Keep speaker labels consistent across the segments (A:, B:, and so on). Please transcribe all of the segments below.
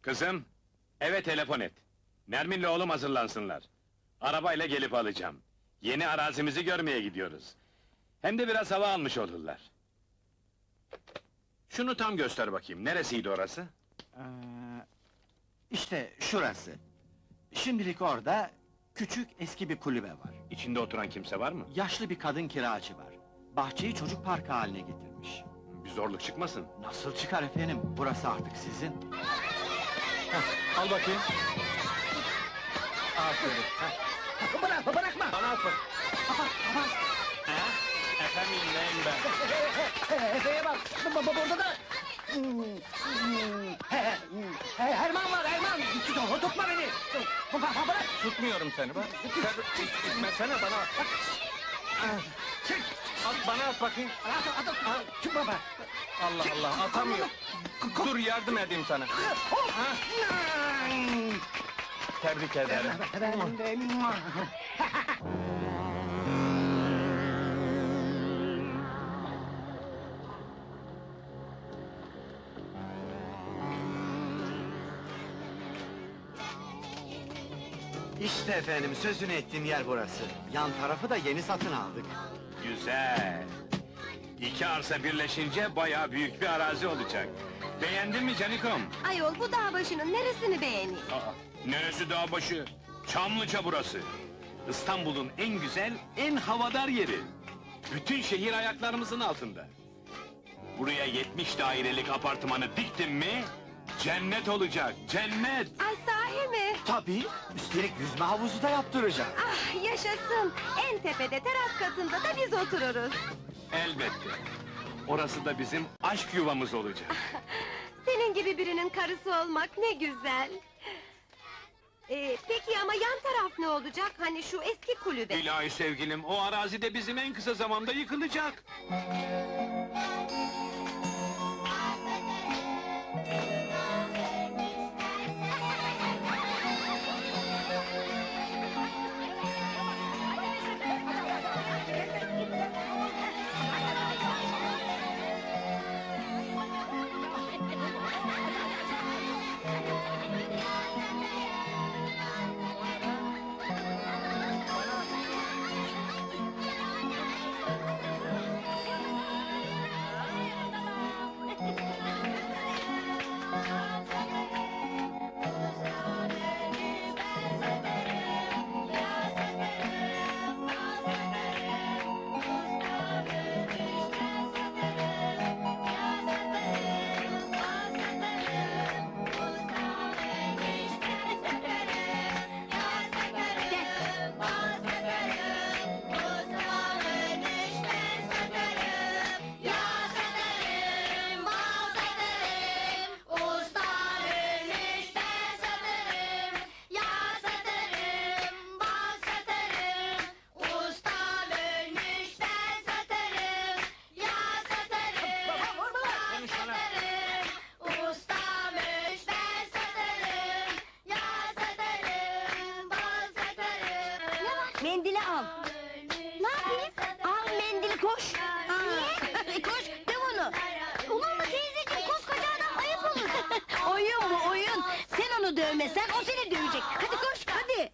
A: Kızım, eve telefon et. Nermin'le oğlum hazırlansınlar. Arabayla gelip alacağım. Yeni arazimizi görmeye gidiyoruz. Hem de biraz hava almış olurlar. Şunu tam göster bakayım, neresiydi orası?
B: İşte şurası. Şimdilik orada küçük eski bir kulübe var.
A: İçinde oturan kimse var mı?
B: Yaşlı bir kadın kiracı var. Bahçeyi çocuk parkı haline getirmiş.
A: Bir zorluk çıkmasın.
B: Nasıl çıkar efendim? Burası artık sizin.
A: Al bakayım.
B: Aferin.
A: Bırakma! Bana at bak! Efendim neyim ben?
C: Efe'ye bak, burada da... Erman var, Erman! Tutma beni! Bırak!
A: Tutmuyorum seni bak! Sen itmesene bana!
C: Çık!
A: At bana at bakayım!
C: Çık baba!
A: Allah Allah, atamıyor! Dur yardım edeyim sana! Tebrik ederim!
B: İşte efendim, sözünü ettiğim yer burası. Yan tarafı da yeni satın aldık.
A: Güzel! İki arsa birleşince bayağı büyük bir arazi olacak. Beğendin mi Canikom?
D: Ayol bu dağ başının neresini beğeneyim?
A: Neresi dağ başı? Çamlıca burası! İstanbul'un en güzel, en havadar yeri! Bütün şehir ayaklarımızın altında! Buraya 70 dairelik apartmanı diktim mi... cennet olacak, cennet!
D: Ay sahi mi?
B: Tabii, üstelik yüzme havuzu da yaptıracağım.
D: Ah yaşasın! En tepede teras katında da biz otururuz.
A: Elbette! Orası da bizim aşk yuvamız olacak!
D: Senin gibi birinin karısı olmak ne güzel! Peki ama yan taraf ne olacak? Hani şu eski kulübe?
A: İlahi sevgilim, o arazi de bizim en kısa zamanda yıkılacak!
D: Mendili al! Ne yapayım? Al mendili koş! Niye? Koş, döv onu! Olur mu teyzeciğim, koskoca adam ayıp olur! Oyun bu, oyun! Sen onu dövmesen, o seni dövecek! Hadi koş, hadi!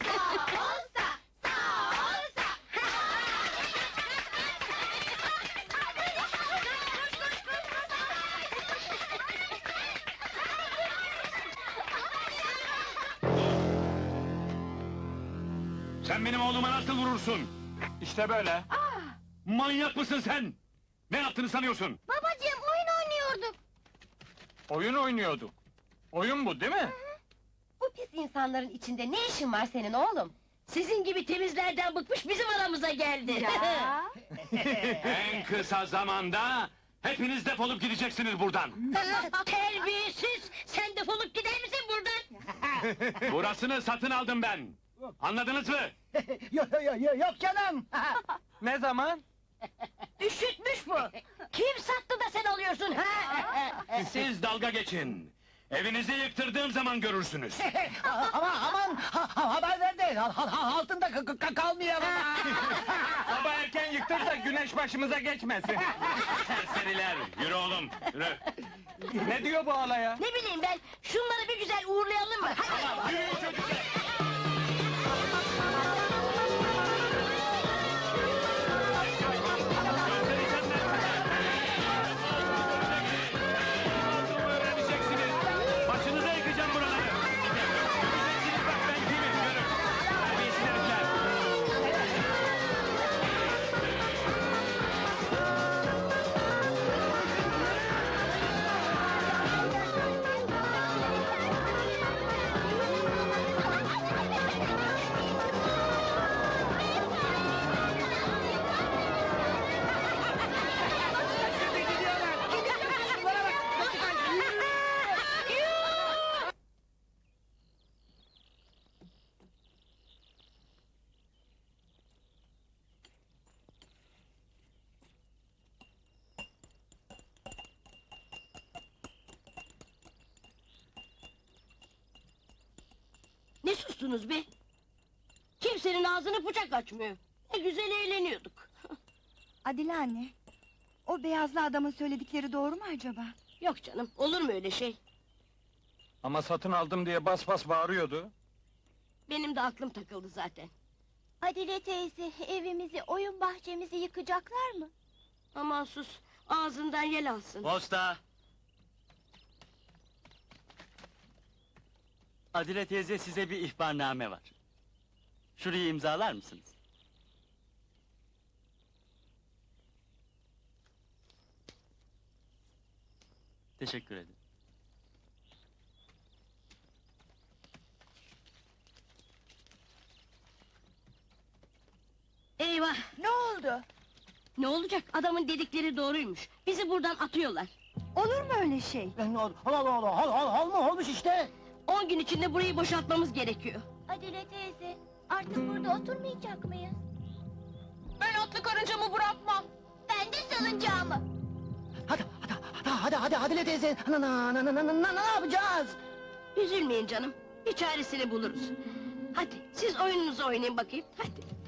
A: Sen benim oğluma nasıl vurursun? İşte böyle! Manyak mısın sen? Ne yaptığını sanıyorsun?
D: Babacığım, oyun oynuyorduk!
A: Oyun oynuyorduk. Oyun bu değil mi?
D: Bu pis insanların içinde ne işin var senin oğlum?
E: Sizin gibi temizlerden bıkmış bizim aramıza geldi.
D: Ya!
A: En kısa zamanda hepiniz defolup gideceksiniz buradan.
E: Terbiyesiz! Sen defolup gider misin buradan?
A: Burasını satın aldım ben. Anladınız mı?
C: Yok canım!
A: Ne zaman?
E: Üşütmüş bu! Kim sattı da sen alıyorsun ha?
A: Siz dalga geçin. Evinizi yıktırdığım zaman görürsünüz.
C: Aman haber ver de altında kalmayalım.
A: Sabah erken yıktır da güneş başımıza geçmesin. Serseriler, yürü oğlum, yürü. Ne diyor bu alaya?
D: Ne bileyim ben, şunları bir güzel uğurlayalım mı? Hadi!
A: Yürüyün çocuklar! Göstereceğim ben size! Öğreneceksiniz! Başınıza yıkacağım buraları! Göreceksiniz bak ben kimim, görün! Terbiyesiz herifler!
D: Ne sustunuz be? Kimsenin ağzını bıçak açmıyor. Ne güzel eğleniyorduk.
F: Adile anne, o beyazlı adamın söyledikleri doğru mu acaba?
D: Yok canım, olur mu öyle şey?
A: Ama satın aldım diye bas bas bağırıyordu.
D: Benim de aklım takıldı zaten.
F: Adile teyze, evimizi, oyun bahçemizi yıkacaklar mı?
D: Aman sus, ağzından yel alsın.
G: Posta! Adile teyze size bir ihbarname var. Şurayı imzalar mısınız? Teşekkür ederim.
D: Eyvah!
F: Ne oldu?
D: Ne olacak? Adamın dedikleri doğruymuş. Bizi buradan atıyorlar.
F: Olur mu öyle şey?
C: Olmuş işte.
D: 10 gün içinde burayı boşaltmamız gerekiyor.
F: Adile teyze, artık burada oturmayacak mıyız?
D: Ben atlı karıncamı bırakmam.
F: Ben de salıncağımı.
C: Hadi Adile teyze. Ne yapacağız?
D: Üzülmeyin canım. Bir çaresini buluruz. Hadi siz oyununuzu oynayın bakayım. Hadi.